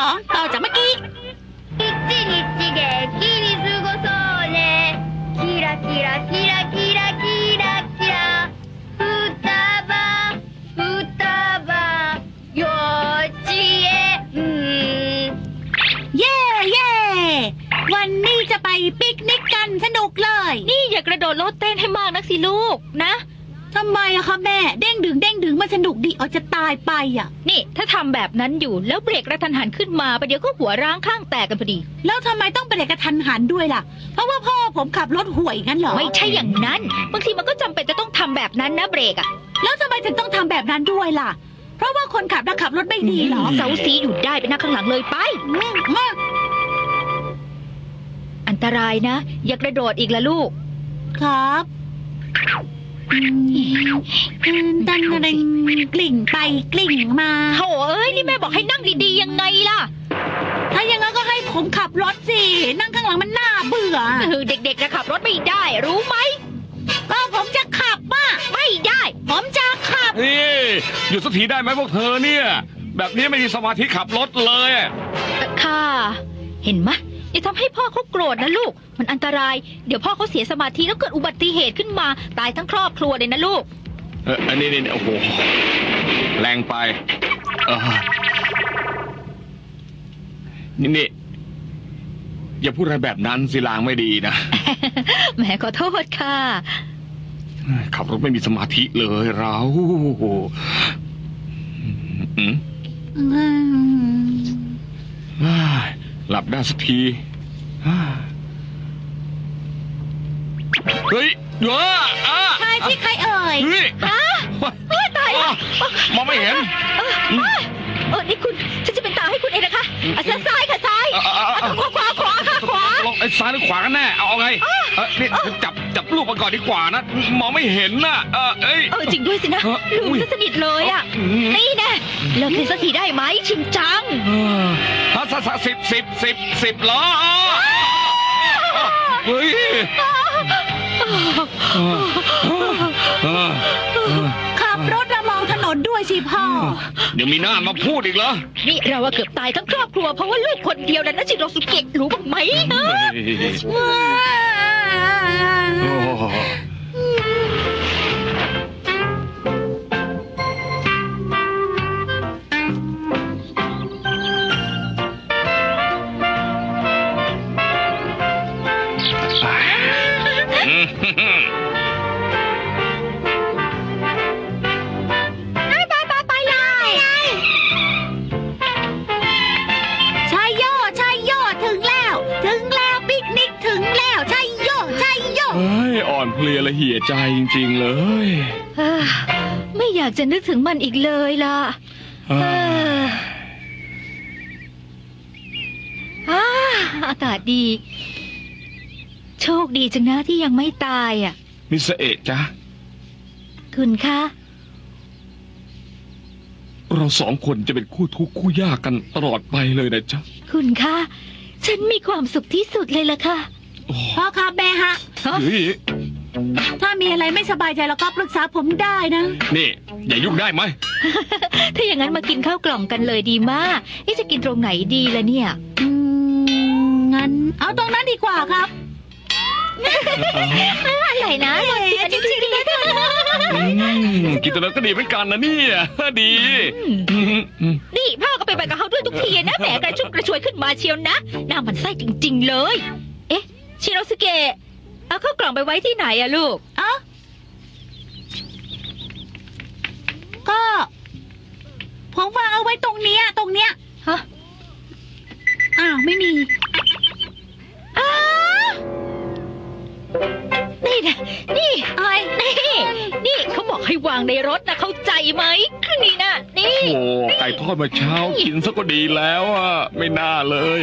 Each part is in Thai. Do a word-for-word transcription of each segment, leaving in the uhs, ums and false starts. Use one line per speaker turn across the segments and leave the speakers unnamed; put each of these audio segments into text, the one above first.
องต่อจากเมื่อกี้
一日元気に過ごそうねキラキラキラキラキラキラ双葉双葉幼稚園
เย่เย่วันนี้จะไปปิกนิกกันสนุกเลย
นี่อย่ากระโดดโลดเต้นให้มากนักสิลูกนะ
ทำไมอะคะแม่เด้งดึงเด้งดึงมันสนุกดีเอาจะตายไปอะ
นี่ถ้าทำแบบนั้นอยู่แล้วเบรกกระทันหันขึ้นมาประเดี๋ยวก็หัวร้างข้างแตกกันพอดี
แล้วทำไมต้องเบรกกระทันหันด้วยล่ะเพราะว่าพ่อผมขับรถห่วยงั้นเหรอ
ไม่ใช่อย่างนั้นบางทีมันก็จำเป็นจะต้องทำแบบนั้นนะเบรกอะ
แล้วทำไมถึงต้องทำแบบนั้นด้วยล่ะเพราะว่าคนขับน่ะขับรถไม่ดีเหรอ
เซาซีอยู่ได้ไปนั่งข้างหลังเลยไป
มาก
อันตรายนะอย่ากระโดดอีกละลูก
ครับดันอะไรกลิ่งไปกลิ่งมา
โถเอ้ยนี่แม่บอกให้นั่งดีๆยังไงล่ะ
ถ้าอย่างนั้นก็ให้ผมขับรถสินั่งข้างหลังมันน่าเบื่อ
เด็กๆจะขับรถไม่ได้รู้ไหม
ก็ผมจะขับป่ะ
ไม่ได้
ผมจะขับ
นี่หยุดสักทีได้ไหมพวกเธอเนี่ยแบบนี้ไม่มีสมาธิขับรถเลย
ค่ะเห็นไหมอย่าทำให้พ่อเขาโกรธนะลูกมันอันตรายเดี๋ยวพ่อเขาเสียสมาธิแล้วเกิดอุบัติเหตุขึ้นมาตายทั้งครอบครัวเลยนะลูก
เอออันนี้นี่โอ้โหแรงไปเออนี่นี่อย่าพูดอะไรแบบนั้นสิลางไม่ดีนะ
แหมขอโทษค่ะ
ขับรถไม่มีสมาธิเลยเราอืมหลับได้สักทีเฮ้ยเดี๋ยวอ่ะ
ใครที่ใครเอ่ย
เฮ้ย
ฮะตายแล้ว
มองไม่เห็น
เออนี่คุณฉันจะเป็นตาให้คุณเองนะคะซ้ายค่ะซ้ายขวาขวาขวาค่ะขวา
ลองไอ้ซ้ายหรือขวากันแน่เอาไงเออนี่จับจับลูกมาก่อนดีกว่านะมองไม่เห็นน่ะเออเอ้ย
เออจริงด้วยสินะลืมซะสนิทเลยอ่ะนี่แน่เลิกเล่นสักทีได้ไหมชิงจัง
ฮะสักสิบสิบสิบสิบล้อเฮ้ย
ขับรถระมองถนนด้วยสิพ่อ
เดี๋ยวมีหน้ามาพูดอีกเหรอ
นี่เราเกือบตายทั้งครอบครัวเพราะว่าลูกคนเดียวนั้นนะจิโรสุเกะรู้บ้างไหมฮะ
เพลียละเหี่ยใจจริงๆเลย
ไม่อยากจะนึกถึงมันอีกเลยล่ะอากาศดีโชคดีจังนะที่ยังไม่ตายอ่ะ
มิสเอะจ๊ะ
คุณคะ
เราสองคนจะเป็นคู่ทุกข์คู่ยากกันตลอดไปเลยนะจ๊ะ
คุณคะฉันมีความสุขที่สุดเลยล่ะค่ะ
พ่อครับแม่ฮะถ้ามีอะไรไม่สบายใจแล้วก็ปรึกษาผมได้นะ
นี่อย่ายุ่งได้ไหม
ถ้าอย่างนั้นมากินข้าวกล่องกันเลยดีมากนี่จะกินตรงไหนดีล่ะเนี่ย
อืมงั้นเอาตรงนั้นดีกว่าครับ
อะไรนะ
จริงจริง
กินตรงนั้นก็ดีเหมือนกันนะเนี่ยดี
นี่พ่อก็ไปไปกับเขาด้วยทุกทีนะแหมกระชุ่มกระชวยขึ้นมาเชียวนะน่ามันไส้จริงๆเลยเอ๊ะชิโรสุเกะเอาข้าวกล่องไปไว้ที่ไหนอะลูก
เอ้าก็ผมวางเอาไว้ตรงเนี้ยตรงเนี้ย
ฮะ
อ้าวไม่มี
อ้านี่นะนี่
อะไร
นี่นี่เขาบอกให้วางในรถนะเข้าใจไหมนี่นะนี่
โอ้ไก่ทอดมาเช้ากินซะก็ดีแล้วอ่ะไม่น่าเลย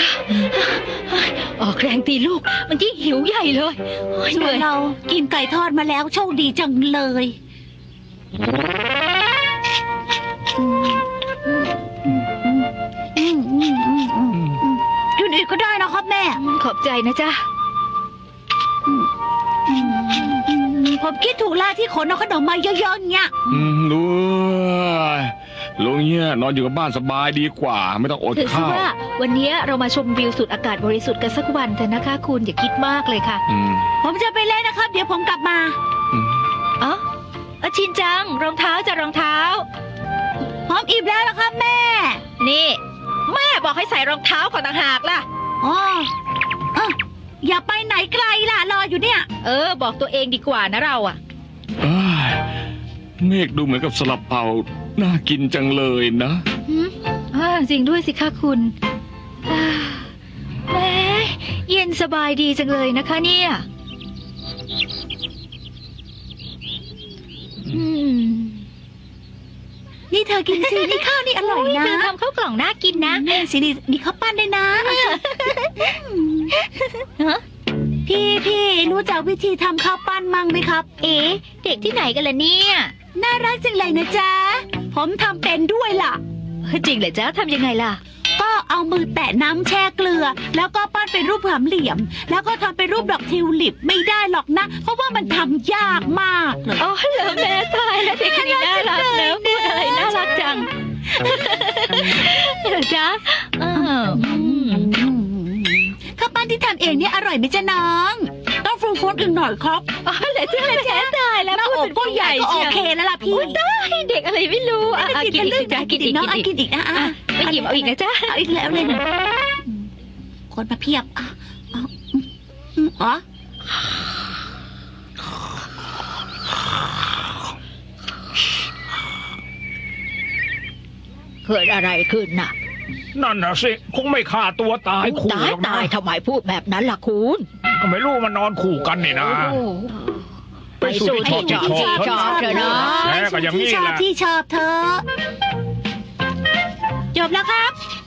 ออกแรงตีลูกมันยิ่งหิวใหญ่เลย
ส่วนเรากินไก่ทอดมาแล้วโชคดีจังเลยกินอีกก็ได้นะครับแม่
ขอบใจนะจ๊ะ
ผมคิดถูกแล้วที่ขนเอาขนมมาเยอะๆเงี้ย
รู้ลุงเนี่ยนอนอยู่กับบ้านสบายดีกว่า ไม่ต้องอด
ถือซะ
ข้าว
ว่าวันนี้เรามาชมวิวสุดอากาศบริสุทธิ์กันสักวันเถอะนะคะ คุณอย่าคิดมากเลยค่ะ
อืม
ผมจะไปเล่นนะครับ เดี๋ยวผมกลับมา
อืม
อ๋อเอาชินจังรองเท้าจะรองเท้า
ผมอิ่มแล้วนะครับแม่
นี่ แม่บอกให้ใส่รองเท้าก่อนต่างหากล่ะ
อ๋อเอ้าอย่าไปไหนไกลล่ะ รออยู่เนี่ย
เออ บอกตัวเองดีกว่านะเราอะ
เอ้ยเมฆดูเหมือนกับสลับเปาน่ากินจังเลยนะ
หืมอ่าจริงด้วยสิคะคุณอ่าแหมเย็นสบายดีจังเลยนะคะเนี่ย อืม
นี่เธอกินสินี่ข้าวนี่อร่อยนะ
เธอทำข้าวกล่องน่ากินนะ
แม่สินี่นี่ข้าวปั้นด้วยนะเอาสิ
ฮะ
พี่พี่รู้จักวิธีทำข้าวปั้นมั่งไหมครับ
เอ๊ะเด็กที่ไหนกันล่ะเนี่ย
น่ารักจังเลยนะจ๊ะ ผมทำเป็นด้วยล่ะ
จริงเหรอจ๊ะทำยังไงล่ะ
ก็เอามือแตะน้ำแช่เกลือ แล้วก็ปั้นเป็นรูปสามเหลี่ยม แล้วก็ทำเป็นรูปดอกทิวลิปไม่ได้หรอกนะ เพราะว่ามันทำยากมากเลย
อ๋อเหรอแม่ตายแล้วเด็กคนนี้น่ารักเนอะพูดอะไรน่ารักจังเหรอจ๊ะอ้าวอืม
ข้าวปั้นที่ทำเองเนี่ยอร่อยไหมจ๊ะน้อง ต้องฟูฟูดอีกหน่อยครับ
อ๋อเหรอจ๊ะเหรอจ๊ะตายแล้ว
หน้าอกก็ใหญ่ก็โอเคแล้วล่ะพี่
โอ้ได้เด็กอะไรไม่รู้อ่ะอ่ะกินอีกสิจ๊ะกินอีก
น้อง
กิน
อ่ะ
อีก
กินอีกนะอ่ะ
อ่ะไม่หยิบเอาอีกนะจ๊ะ
เอาอีกแล้วเลยนะคนมาเพียบอ่ะเอาอืมอ๋อ
เกิดอะไรขึ้นน่ะ
นั่นน่ะสิคงไม่ฆ่าตัวตายคู่
ตาย
หรอกนะ
ตายทำไมพูดแบบนั้นล่ะคุณ
ก็ไม่รู้มันนอนคู่กันนี่นะ ไปสู่ที่ชอบที่ชอบ
ชอบเถอะเนาะ
แม่ก็อย่างนี้
ที่ชอบ
แหละ
ที่ชอบเธอจบแล้วครับ